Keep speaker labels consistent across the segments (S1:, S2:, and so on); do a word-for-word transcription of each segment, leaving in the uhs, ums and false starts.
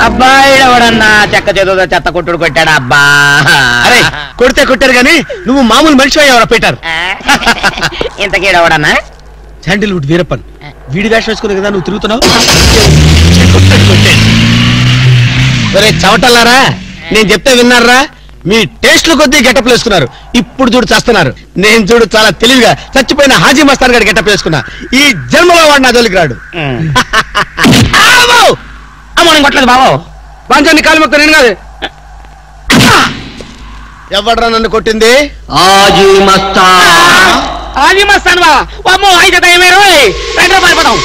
S1: అబ్బాయి ఎవడన్నా చెక్క చేతులతో చెత్త కొట్టుడు కొట్టాడు అబ్బా.
S2: అరే కొడితే కొట్టారు గాని నువ్వు మామూలు మనిషి ఎవరా పెట్టారు.
S1: ఇంతకీడవడన్నా
S2: శాండిల్వుడ్ వీరప్పన్ వీడి వేషం వేసుకునే కదా నువ్వు తిరుగుతున్నావు. చవటల్లారా నేను చెప్తే విన్నారా? మీ టేస్ట్లు కొద్దీ గెటప్ వేసుకున్నారు. ఇప్పుడు చూడు చేస్తున్నారు. నేను చూడు చాలా తెలివిగా చచ్చిపోయిన హాజీ మస్తాన్ గారి గెటప్ వేసుకున్నా. ఈ జన్మలో వాడు నా జోలికి రాడు.
S1: కొట్టలేదు బాబు.
S2: పంచాన్ని కాలు మొక్క నేను కాదు. ఎవడ్రా నన్ను కొట్టింది?
S1: హాజీ మస్తాన్. హాజీ మస్తాన్ బా అమ్మో అయితే దయమే రోయ్. రెండు పారిపోతాం.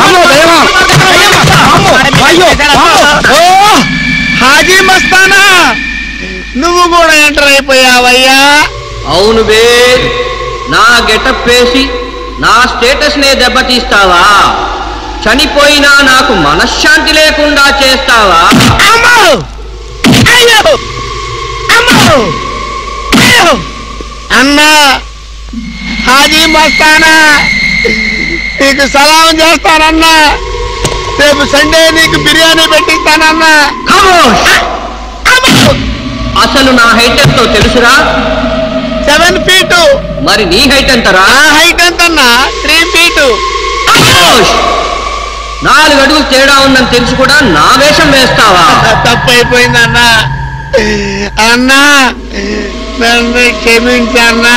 S2: హాజీ మస్తానా నువ్వు కూడా ఎంటర్ అయిపోయావయ్యా?
S3: అవును బే, నా గెటప్ వేసి నా స్టేటస్ నే దెబ్బతీస్తావా? చనిపోయినా నాకు మనశ్శాంతి లేకుండా చేస్తావా?
S2: అన్నా హాజీ మస్తానా నీకు సలాం చేస్తానన్నా. రేపు సండే నీకు బిర్యానీ పెట్టిస్తానన్నా.
S3: అసలు నా హైట్ ఎంతో తెలుసురా?
S2: Seven feet.
S3: మరి నీ హైట్ ఎంతరా?
S2: హైట్ ఎంతన్నా? Three feet.
S3: నాలుగు అడుగులు తేడా ఉందని తెలిసి కూడా నా వేషం వేస్తావా?
S2: తప్పైపోయిందన్నా. అన్నా నన్ను క్షమించన్నా.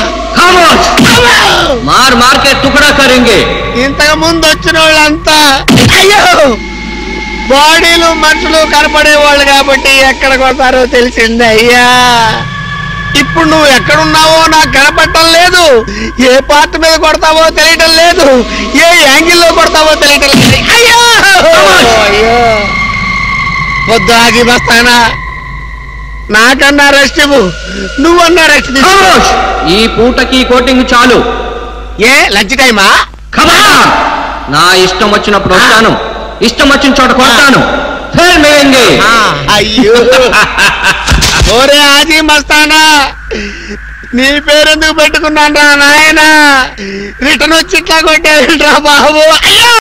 S3: మార్ మార్కెట్ తుకడా కరింగే.
S2: ఇంతకు ముందు వచ్చిన వాళ్ళంతా అయ్యో బాడీలు మనుషులు కనపడే వాళ్ళు కాబట్టి ఎక్కడికి వస్తారో తెలిసింది అయ్యా. ఇప్పుడు నువ్వు ఎక్కడున్నావో నాకు కనపడటం లేదు. ఏ పార్ట్ మీద కొడతావో తెలియటం లేదు. ఏ యాంగిల్లో కొడతావో తెలియటం లేదు. అయ్యో అయ్యో వద్దు ఆగి వస్తానా. నాకన్నా రెస్ట్ ఇవ్వు. నువ్వన్నా రెస్ట్ తీసుకో.
S3: ఈ పూటకి కోటింగ్ చాలు.
S2: ఏ లంచ్ టైమా?
S3: నా ఇష్టం వచ్చినప్పుడు వస్తాను, ఇష్టం వచ్చిన చోట కొడతాను.
S2: అయ్యో ఓరే ఆజీ మస్తానా నీ పేరెందుకు పెట్టుకున్నాను రా నాయన? రిటర్న్ వచ్చి ఇట్లా కొట్టేరా బాబు.